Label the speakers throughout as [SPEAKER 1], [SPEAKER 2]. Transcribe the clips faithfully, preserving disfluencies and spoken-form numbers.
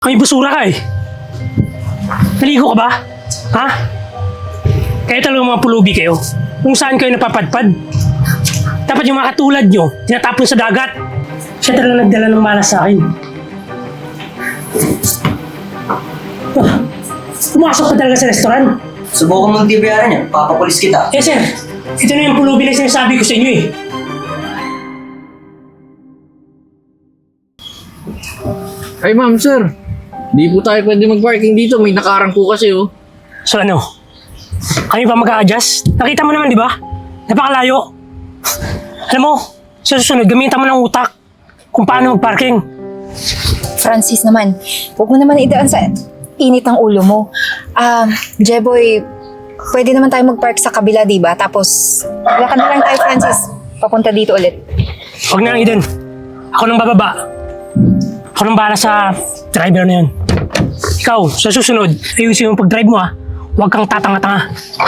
[SPEAKER 1] May busura ka eh. Naligo ka ba? Ha? Kaya talagang mga pulubi kayo. Kung saan kayo napapadpad. Dapat yung mga katulad nyo, tinatapon sa dagat. Siya talagang nagdala ng malas sa akin. Ah, pumasok ka talaga sa restaurant.
[SPEAKER 2] Subukan mong dibayaran niya, papapulis kita.
[SPEAKER 1] Eh sir, ito na yung pulubi na sinasabi ko sa inyo eh.
[SPEAKER 3] Ay ma'am, sir. Di po tayo pwede mag-parking dito. May nakarang po kasi oh.
[SPEAKER 1] So ano? Kami pa mag-a-adjust? Nakita mo naman di ba? Napakalayo. Alam mo, sa susunod, gamitan mo ng utak kung paano mag-parking.
[SPEAKER 4] Francis naman, huwag mo naman idaan sa init ng ulo mo. Ah, Jeboy, pwede naman tayo mag-park sa kabila, di ba? Tapos, lakad na lang tayo, Francis. Papunta dito ulit.
[SPEAKER 1] Huwag na lang, Eden. Ako nang bababa. Ako nang bahala sa driver na yun. Ikaw, sa susunod, ayusin mo pag-drive mo ha. Huwag kang tatanga-tanga.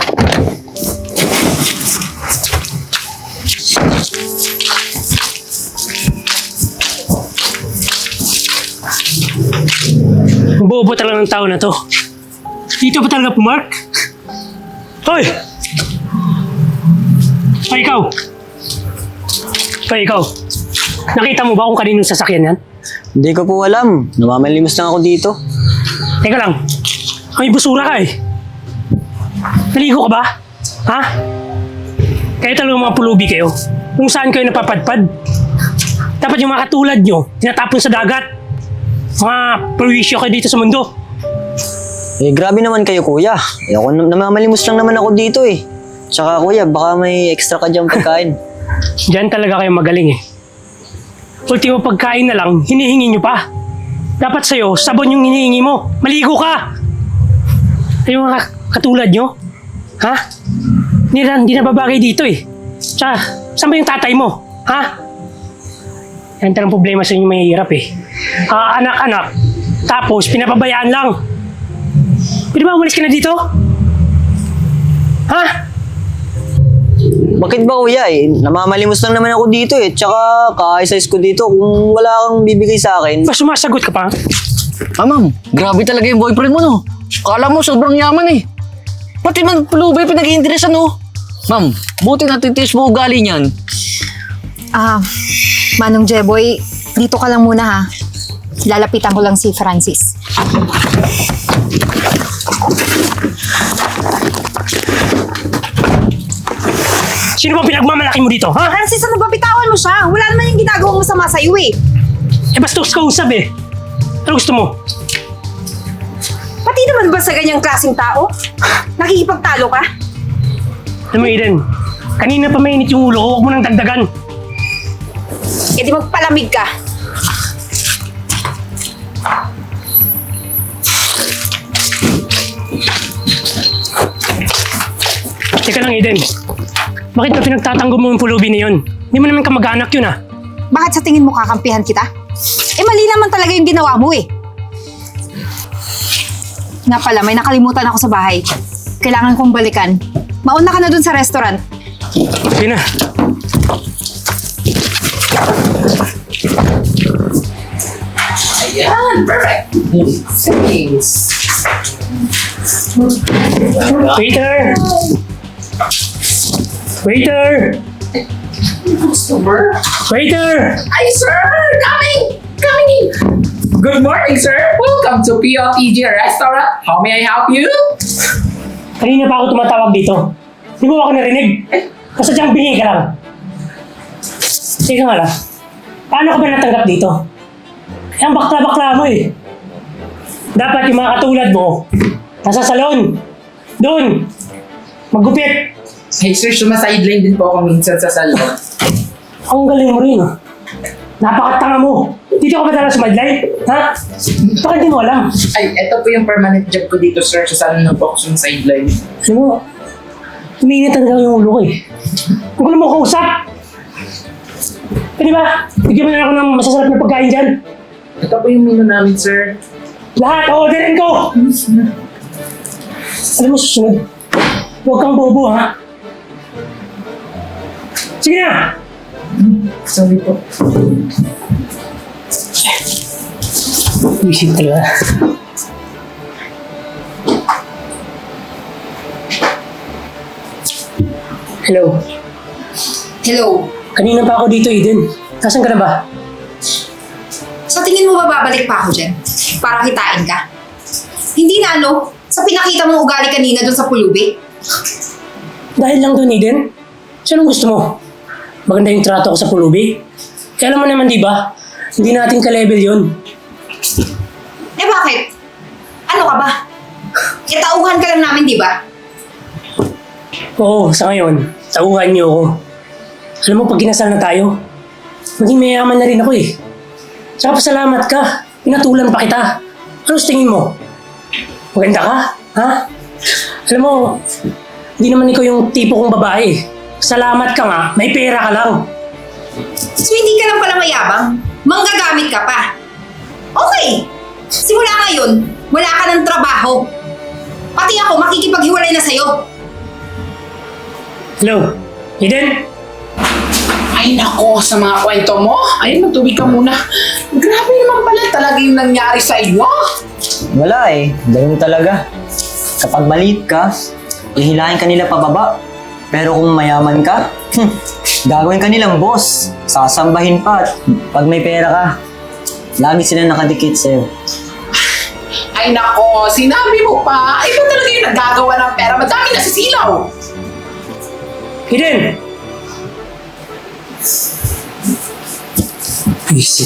[SPEAKER 1] Bobo talaga ng tao na to. Dito pa talaga pumark? Hoy! Hoy, ikaw! Hoy, ikaw! Nakita mo ba kung kaninong sasakyan yan?
[SPEAKER 2] Hindi ko po alam. Namamalimos lang ako dito.
[SPEAKER 1] Teka lang. May busura ka eh. Naligo ka ba? Ha? Kaya talagang mga pulubi kayo. Kung saan kayo napapadpad. Dapat yung mga katulad nyo, tinatapon sa dagat. Mga perwisyo kayo dito sa mundo.
[SPEAKER 2] Eh, grabe naman kayo, kuya. Eh, ako nam- namamalimos lang naman ako dito eh. Tsaka, kuya, baka may extra ka dyan pagkain.
[SPEAKER 1] Diyan talaga kayo magaling eh. Ultimo pagkain na lang, hinihingi nyo pa. Dapat sa'yo, sabon yung hinihingi mo. Maligo ka! Ay, yung mga katulad nyo, ha? Hindi na, hindi na babagay dito eh. Tsaka, saan ba yung tatay mo? Ha? Yan talagang problema sa inyo mahihirap eh. Ah, anak-anak, tapos pinapabayaan lang. Pwede ba umalis ka na dito? Ha?
[SPEAKER 2] Bakit ba, kuya eh? Namamalimos lang naman ako dito eh. Tsaka, ka-size ko dito. Kung wala kang bibigay sa akin.
[SPEAKER 1] Ba sumasagot ka pa?
[SPEAKER 3] Ah ma'am, grabe talaga yung boyfriend mo no. Kala mo sobrang yaman eh. Pati man pulubay pinag-iinteresan no. Ma'am, buti natitiis mo ugali niyan.
[SPEAKER 4] Ah, Manong Jeboy, dito ka lang muna ha. Lalapitan ko lang si Francis.
[SPEAKER 1] Sino bang pinagmamalaki mo dito, ha?
[SPEAKER 5] Francis, ano ba? Bitawan mo siya. Wala naman yung ginagawang masama sa'yo eh.
[SPEAKER 1] Eh, bastos ka usap eh. Ano gusto mo?
[SPEAKER 5] Pati naman ba sa ganyang klaseng tao? Nakikipagtalo ka?
[SPEAKER 1] Alam mo, Eden, kanina pa mainit yung ulo ko, huwag mo nang dagdagan.
[SPEAKER 5] E di magpalamig ka.
[SPEAKER 1] Teka lang, Eden. Bakit ba pinagtatanggol mo yung pulubi na yun? Hindi mo naman kamag-anak yun, ah.
[SPEAKER 4] Bakit sa tingin mo kakampihan kita? Eh mali naman talaga yung ginawa mo eh. Nga pala, may nakalimutan ako sa bahay. Kailangan kong balikan. Mauna ka na dun sa restaurant.
[SPEAKER 1] Sige na.
[SPEAKER 6] Ayan, perfect. Thanks.
[SPEAKER 1] Waiter! Waiter!
[SPEAKER 6] Customer?
[SPEAKER 1] Waiter!
[SPEAKER 6] Hi, sir! Coming! Coming in! Good morning, sir! Welcome to P O P G Restaurant. How may I help you?
[SPEAKER 1] Kanina pa ako tumatawag dito. Di mo ako narinig? Kasadyang bingi ka lang. Teka nga lang. Paano ka ba natanggap dito? Eh, ang bakla-bakla mo eh. Dapat yung mga katulad mo, nasa salon. Doon. Maggupit.
[SPEAKER 6] Hey, sir, sumasideline din po ako minsan sa salon.
[SPEAKER 1] Ang galing mo rin ah. Napakatanga mo. Dito ka ba talaga sumadlay? Ha? Baka di mo alam.
[SPEAKER 6] Ay, eto po yung permanent job ko dito, sir. Sa salon na po ako sumasideline.
[SPEAKER 1] Alam mo, umiinit talaga yung ulo ko eh. Huwag ko na mo kausap. Pwede ba? Bigyan mo na ako ng masasarap na pagkain dyan.
[SPEAKER 6] Ito po yung menu namin, sir.
[SPEAKER 1] Lahat, orderin ko! Alam mo, susunod. Huwag kang bobo, ha? Sige na!
[SPEAKER 6] Sorry po.
[SPEAKER 1] Visit talaga. Hello.
[SPEAKER 5] Hello?
[SPEAKER 1] Kanina pa ako dito, Eden. Nasaan ka na ba?
[SPEAKER 5] Sa tingin mo ba babalik pa ako dyan? Para kitain ka? Hindi na ano? Sa pinakita mong ugali kanina doon sa pulubi?
[SPEAKER 1] Dahil lang doon, Eden. So, anong gusto mo? Maganda yung trato ko sa pulubi? Kaya alam mo naman, di ba? Hindi natin ka-level yun.
[SPEAKER 5] Eh bakit? Ano ka ba? E tauhan ka lang namin, di ba?
[SPEAKER 1] Oo, sa ngayon, tauhan niyo ako. Alam mo, pag kinasal na tayo, maging mayaman na rin ako eh. Tsaka pasalamat ka. Pinatulan pa kita. Ano sa tingin mo? Maganda ka? Ha? Alam mo, hindi naman ikaw yung tipo kong babae. Salamat ka nga, may pera ka lang.
[SPEAKER 5] So hindi ka lang pala mayabang? Manggagamit ka pa? Okay! Simula ngayon, wala ka ng trabaho. Pati ako makikipaghiwalay na sa'yo.
[SPEAKER 1] Hello? Eden?
[SPEAKER 6] Ay nako, sa mga kwento mo. Ay, magtubig ka muna. Grabe naman pala talaga yung nangyari sa iyo.
[SPEAKER 2] Wala eh. Ganun talaga. Kapag maliit ka, ihilahin ka nila pababa. Pero kung mayaman ka, hmm, gagawin ka nilang boss. Sasambahin pa at pag may pera ka, lagi sila nakadikit sa'yo.
[SPEAKER 6] Ay nako, sinabi mo pa. Ay, ba talaga yung nagagawa ng pera? Madami na sisilaw.
[SPEAKER 1] Eden! Visit.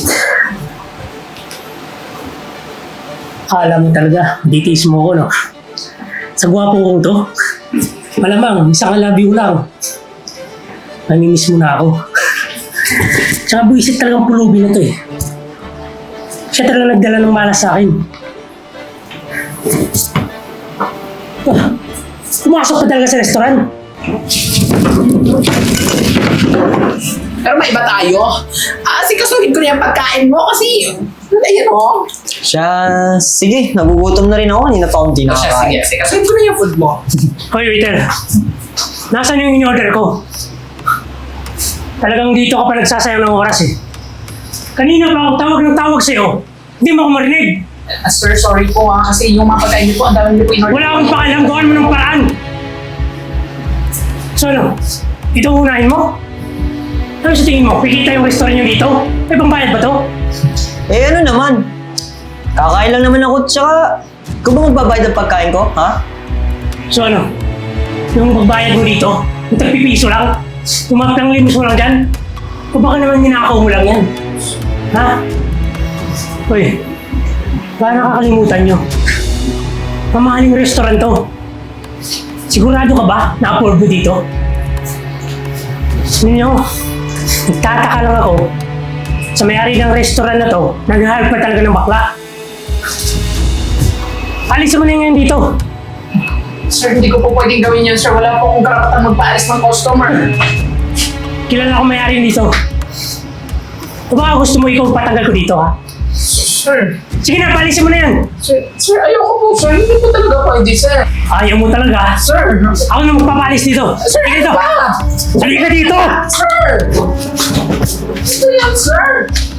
[SPEAKER 1] Akala mo talaga, ditiis mo ko, no? Sa gwapo kong to, malamang, isang I love you lang. Namimiss mo na ako. Tsaka buisit talagang pulubi na to eh. Siya talaga nagdala ng malas sa akin. Ah, pumasok pa talaga sa restaurant.
[SPEAKER 6] Pero may iba tayo. Ah, sikasuhin ko na yung pagkain mo kasi, ayun o.
[SPEAKER 2] Siya, sige, nagugutom na rin ako. Kanina pa akong
[SPEAKER 6] Siya, sige,
[SPEAKER 2] tinakakain.
[SPEAKER 6] sikasuhin ko na yung food mo.
[SPEAKER 1] Hoy, waiter. Nasaan yung in-order ko? Talagang dito ka pa nagsasayang ng oras eh. Kanina pa ako tawag ng tawag sa'yo. Hindi mo ako marinig.
[SPEAKER 6] Ah, sir, sorry po ah, kasi yung mga pagkain niyo po, ang dami niyo po in-order.
[SPEAKER 1] Wala akong pakialam. Gawan mo ng paraan. So ano? Ito unahin mo? Ano sa tingin mo? Kikita yung restaurant nyo dito? May pambayad ba to?
[SPEAKER 2] Eh ano naman? Kakain lang naman ako, tsaka ikaw ba magbabayad ng pagkain ko, ha?
[SPEAKER 1] So ano? Yung pagbayad mo dito? Yung tagpipiso lang? Yung mga panglimos mo lang dyan? O baka naman ninakaw mo lang yan? Ha? Uy, baka nakakalimutan nyo. Mamahaling restaurant to. Sigurado ka ba na afford mo dito? Hindi nyo, nagtataka lang ako sa may-ari ng restaurant na to, nag-hire pa talaga ng bakla. Alisin mo na ngayon dito.
[SPEAKER 6] Sir, hindi ko po pwedeng gawin yan, sir. Wala po akong karapatan magpaalis ng customer.
[SPEAKER 1] Kilala ko may-ari dito. O baka gusto mo ikaw patanggal ko dito, ha?
[SPEAKER 6] Sir,
[SPEAKER 1] Sige na, palisin mo na yan.
[SPEAKER 6] sir, sir, ayoko po, sir. Hindi po talaga pwede, sir.
[SPEAKER 1] Ayaw mo talaga.
[SPEAKER 6] Sir,
[SPEAKER 1] Ako na magpapalis dito.
[SPEAKER 6] sir,
[SPEAKER 1] Sige dito.
[SPEAKER 6] ano ba?
[SPEAKER 1] Halika dito.
[SPEAKER 6] Sir! Ito yan, sir!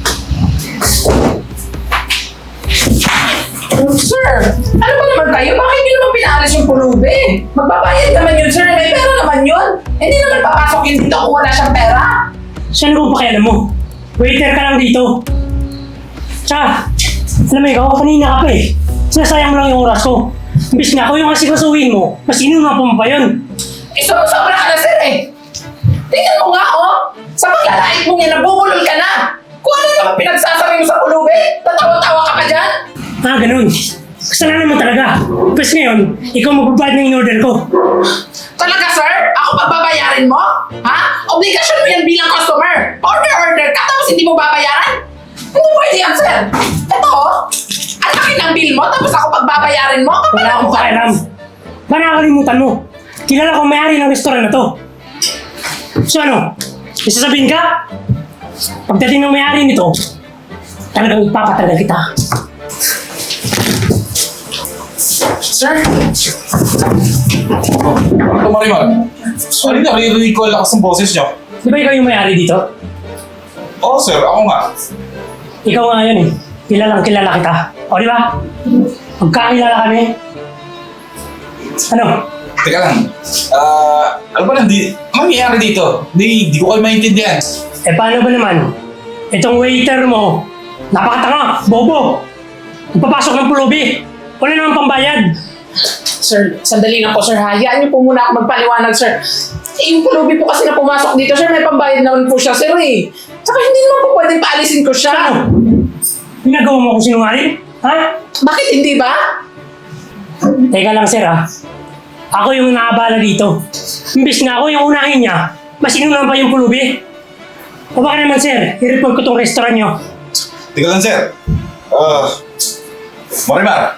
[SPEAKER 6] Sir, ano ba naman kayo? Bakit nyo naman pinaalis yung pulubi? Magbabayad naman yun, sir. May pera naman yun. Hindi naman papasok yun dito kung wala siyang pera.
[SPEAKER 1] Saan mo pakialam mo? Waiter ka lang dito. Tsaka, alam mo ikaw, kanina ka pa eh. Sinasayang mo lang yung oras ko. Imbis nga ako yung asikasuhin mo, mas inuna pa mo pa yun.
[SPEAKER 6] Eh, sobra ka na, sir eh. Tingnan mo nga, oh. Sa paglalait mo yan, nabubulol ka na. Kung ano naman pinagsasabi mo sa pulubi, tatawa-tawa ka pa dyan.
[SPEAKER 1] Ah, ganun. Kasalanan mo talaga. Tapos ngayon, ikaw magbabayad ng in-order ko.
[SPEAKER 6] Talaga, sir? Ako pagbabayarin mo? Ha? Obligasyon mo yan bilang customer. Order-order ka tapos hindi mo babayaran? Hindi pwede yan, sir. Ito, oh. Ang laki ng bill mo tapos ako pagbabayarin mo? Kapag
[SPEAKER 1] Wala akong pakialam. Ba nakakalimutan mo? Kilala ko may-ari ng restaurant na to. So ano? May sasabihin ka? Pagdating ng may-ari nito, talagang ipapatagal kita.
[SPEAKER 6] Sir?
[SPEAKER 7] Ito, Marimar. Sorry na, naririnig ko ang lakas ng boses niyo.
[SPEAKER 1] Di ba ikaw yung may-ari dito?
[SPEAKER 7] Oo, sir. Ako nga.
[SPEAKER 1] Ikaw nga yun eh. Kilalang kilala kita. O di ba? Magkakilala kami. Ano?
[SPEAKER 7] Teka lang. Ah, ano ba nandi? Ano nangyayari dito? Di, di ko kayo maintindihan.
[SPEAKER 1] Eh paano ba naman? Itong waiter mo, napakatanga, bobo. Nagpapasok ng pulubi. Wala naman pambayad.
[SPEAKER 6] Sir, sandali lang po, sir. Hayaan niyo po muna ako magpaliwanag, sir. Eh, yung pulubi po kasi na pumasok dito, sir, may pambayad naman po siya, sir, eh. Tsaka hindi naman po pwedeng paalisin ko siya.
[SPEAKER 1] Ano? Ginagawa mo akong sinungaling? Ha?
[SPEAKER 6] Bakit hindi ba?
[SPEAKER 1] Teka lang sir ha. Ako yung naabala dito. Imbis na ako yung unahin niya, mas inunan pa yung pulubi. O baka naman sir, i-report ko tong restaurant niyo.
[SPEAKER 7] Teka lang, sir. Ah, Marimar.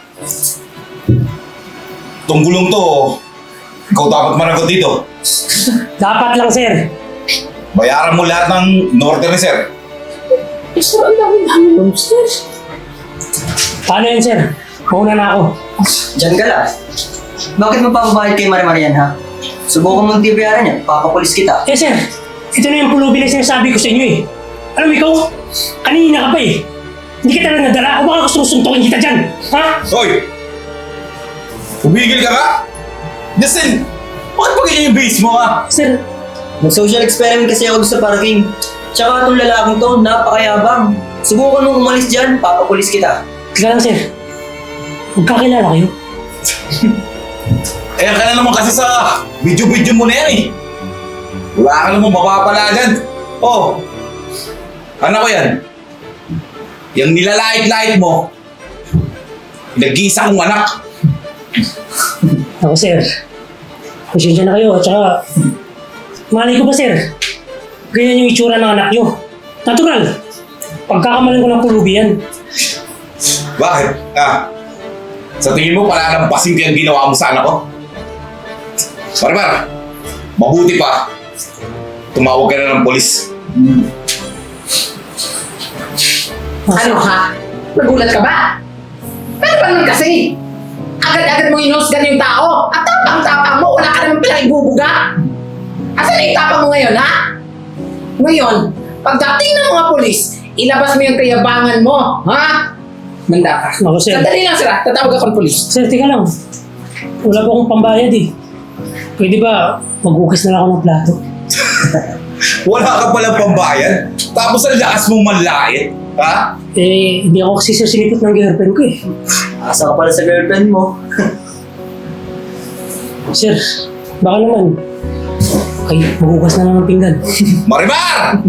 [SPEAKER 7] Itong gulong to, ikaw dapat managot dito.
[SPEAKER 1] Dapat lang sir.
[SPEAKER 7] Bayaran mo lahat ng in-order ni sir.
[SPEAKER 6] Eh, sir, ang dami-dami nun, sir.
[SPEAKER 1] Paano yun sir? Mauna na ako.
[SPEAKER 2] Diyan ka lang. Bakit mo papabayad kay Marimar yan, ha? Subukan mong di bayaran yan, papapulis kita.
[SPEAKER 1] Eh sir, ito na yung pulubi na sinasabi ko sa inyo eh. Alam mo ikaw, kanina ka pa eh. Hindi kita na nadala o baka gusto mong suntukin kita dyan. Ha?
[SPEAKER 7] Hoy! Umigil ka ka? Justin! Bakit pa ganyan yung base mo, ha?
[SPEAKER 1] Sir,
[SPEAKER 2] Nag-social experiment kasi ako doon sa parking. Tsaka itong lalaking to, napakayabang. Subukan mong umalis dyan, papapulis kita.
[SPEAKER 1] teka lang sir. Magkakilala kayo?
[SPEAKER 7] Eh, ka na naman kasi sa video-video mo na yan, eh. Wala ka naman mapapala dyan. Oh, ano ko yan? Yung nilalait-lait mo, nag-iisa kong anak.
[SPEAKER 1] Ako sir, pasensya na kayo at saka malay ko pa sir, ganyan yung itsura ng anak nyo. Natural, pagkakamalan ko ng pulubi yan.
[SPEAKER 7] Bakit? Ah, sa tingin mo palalampasin ko yung ginawa mo sa anak ko? Barbar, mabuti pa. Tumawag ka na ng polis.
[SPEAKER 6] Ano ha? Nagulat ka ba? Pero ba naman kasi? Agad-agad mong inusgan yung tao. At tapang-tapang mo, wala ka naman palang ibubuga. Asan na yung tapang mo ngayon, ha? Ngayon, pagdating ng mga polis, ilabas mo yung kayabangan mo, ha? Manda ka.
[SPEAKER 1] Ako sir,
[SPEAKER 6] Sandali lang, sir, ha? Tatawag ako ng polis.
[SPEAKER 1] sir teka lang. Wala pa akong pambayad eh. Pwede ba maghugas na lang ako ng plato?
[SPEAKER 7] Wala ka palang pambayad? Tapos ang lakas mong manlait? Ha?
[SPEAKER 1] Eh, hindi ako kasi sir sinipot ng girlfriend ko eh.
[SPEAKER 2] Asa ka pala sa girlfriend mo.
[SPEAKER 1] Sir, baka naman. Okay, maghugas na lang ng pinggan.
[SPEAKER 7] Marimar!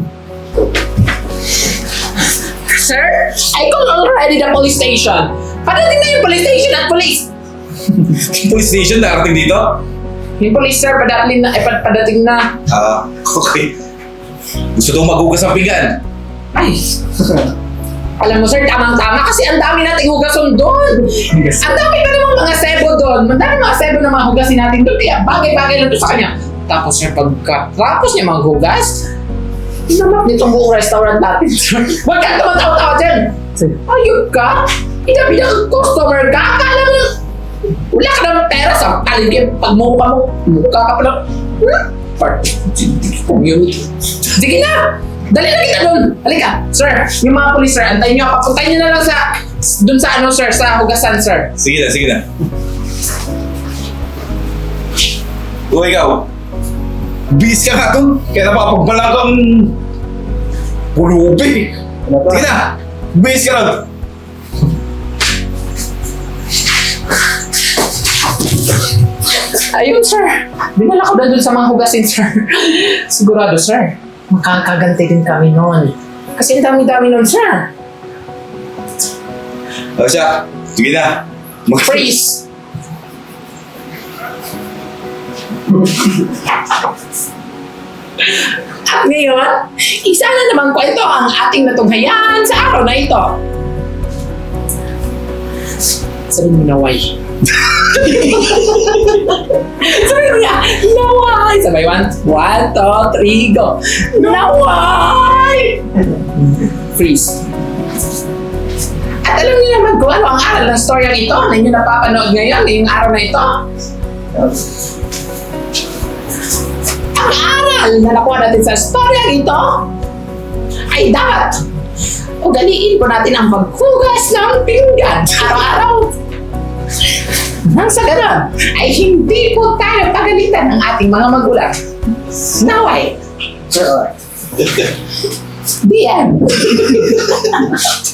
[SPEAKER 6] Sir, I called already the police station. Padating na yung police station at police.
[SPEAKER 7] Police station darating dito?
[SPEAKER 6] Yung police, sir, padating na, eh, pad- padating na.
[SPEAKER 7] Ah, okay. Gusto daw maghugas ng pinggan.
[SPEAKER 6] Ay, alam mo sir, tamang-tama kasi ang dami nating hugason doon. Ang dami pa namang mga sebo doon. Ang dami mga sebo na mga hugasin natin doon. Kaya bagay-bagay lang doon sa kanya. Tapos sir, pagkatapos niya maghugas, inamap nitong buong restaurant natin, sir. Huwag kang tumatawa-tawa dyan. Ayun ka? Inabi na customer ka? Akala mo, wala ka naman pera sa paligid. Pag mukha mo, mukha ka pa lang. Hmm? Part community. Sige na! Dali na kita doon! Halika! Sir, yung mga police, sir, antayin nyo. Papuntayin nyo na lang sa, doon sa ano, sir, sa hugasan, sir.
[SPEAKER 7] Sige na, sige na. O ikaw, bis ka nga to. Kaya napapagbalang kang pulubi. Sige na, bis ka lang.
[SPEAKER 6] Ayun, sir. Dinala ko na doon sa mga hugasin, sir. Sigurado, sir. Makakaganti din kami noon. Kasi ang dami-dami noon, sir.
[SPEAKER 7] O siya, sige na. Mag-
[SPEAKER 6] Freeze! At ngayon, isa na namang kwento ang ating natunghayan sa araw na ito. Sabihin mo na why. Sabihin mo na, naway! Sabay, one, one, two, three, go. Naway! Freeze. At alam niyo naman kung ano ang aral ng storyang ito na inyo napapanood ngayon, ngayong araw na ito. Ang aral na nakuha natin sa storyang ito ay dapat ugaliin po natin ang maghugas ng pinggan araw-araw. Nang sa ganon, ay hindi po tayo pagalitan ng ating mga magulang. Naway. The end.